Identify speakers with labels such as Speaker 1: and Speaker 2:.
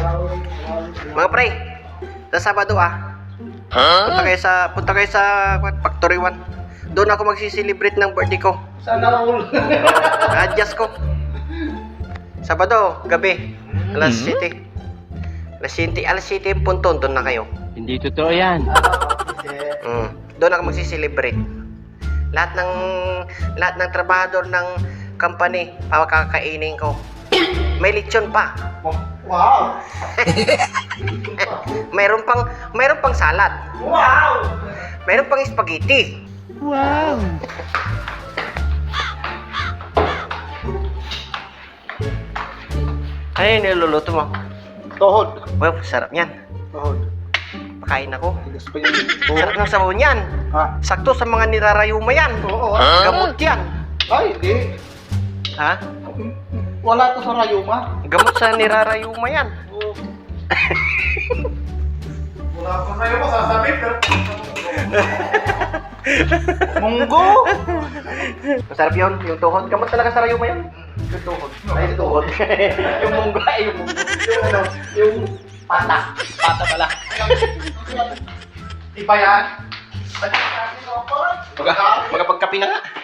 Speaker 1: Mga pre, sa Sabado punta kayo sa Factory 1. Doon ako magsiselebrate ng birthday ko.
Speaker 2: Sana all.
Speaker 1: Adjust ko. Sabado, gabi. Alas 7. Alas 7 yung punton, doon na kayo.
Speaker 3: Hindi totoo yan.
Speaker 1: Doon ako magsiselebrate. Lahat ng trabahador ng company, pakakainin ko. May lechon pa.
Speaker 2: Wow.
Speaker 1: Mayroon pang salad.
Speaker 2: Wow.
Speaker 1: Mayroon pang spaghetti.
Speaker 3: Wow!
Speaker 1: Ano yung niluluto mo?
Speaker 2: Tohod.
Speaker 1: Well, sarap yan.
Speaker 2: Tohod.
Speaker 1: Pakain ako.
Speaker 2: Tigas pa yun.
Speaker 1: Sarap ng sabaw niyan.
Speaker 2: Ha?
Speaker 1: Sakto sa mga nirarayuma yan.
Speaker 2: Oo.
Speaker 1: Gamot yan.
Speaker 2: Ay, hindi.
Speaker 1: Ha?
Speaker 2: Wala to sa rayuma.
Speaker 1: Gamot sa nirarayuma yan.
Speaker 2: Oo. Wala ko sa'yo masasabi, pero... Munggo!
Speaker 1: Masarap yun, yung tuhod. Gamot talaga sa rayuma yan. Yung tuhod. Ay, yung tuhod. Yung munggo, ay, yung munggo.
Speaker 2: Yung ano, yung
Speaker 1: Pata. Pata pala.
Speaker 2: iba yan.
Speaker 1: Magpagkapi na nga.